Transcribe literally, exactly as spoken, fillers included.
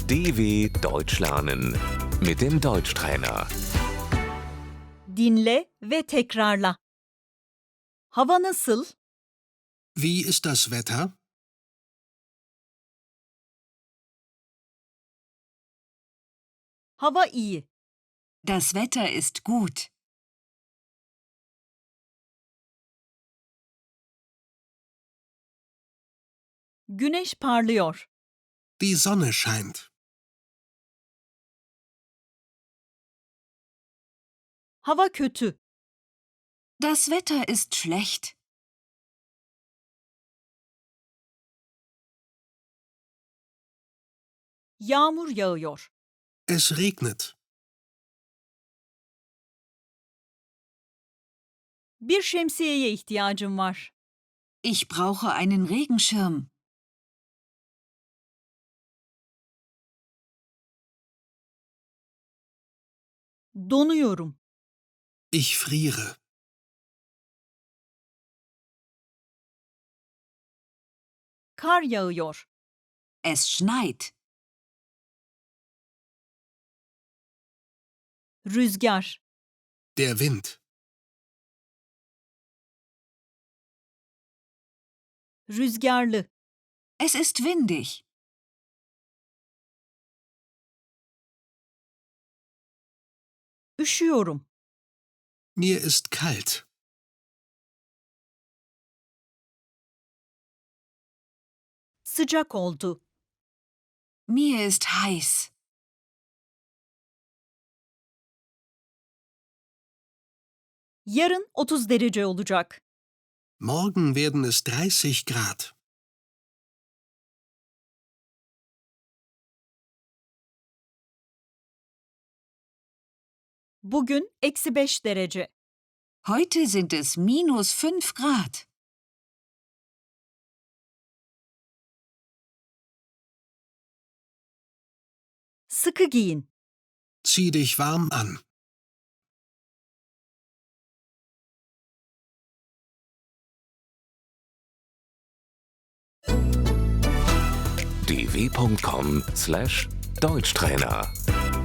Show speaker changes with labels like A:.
A: D W Deutsch lernen mit dem Deutschtrainer.
B: Dinle ve tekrarla. Hava nasıl?
C: Wie ist das Wetter?
B: Hava iyi.
D: Das Wetter ist gut.
B: Güneş parlıyor.
C: Die Sonne scheint.
B: Hava kötü.
D: Das Wetter ist schlecht.
B: Yağmur yağıyor.
C: Es regnet.
B: Bir şemsiyeye ihtiyacım var.
D: Ich brauche einen Regenschirm.
B: Donuyorum.
C: Ich friere.
B: Kar yağıyor.
D: Es schneit.
B: Rüzgar.
C: Der Wind.
B: Rüzgarlı.
D: Es ist windig.
B: Üşüyorum.
C: Mir ist kalt.
B: Sıcak oldu.
D: Mir ist heiß.
B: Yarın otuz derece olacak.
C: Morgen werden es dreißig Grad.
B: Bugün eksi beş derece.
D: Heute sind es minus fünf Grad.
B: Sıkı giyin.
C: Zieh dich warm an.
A: d w punkt com slash Deutschtrainer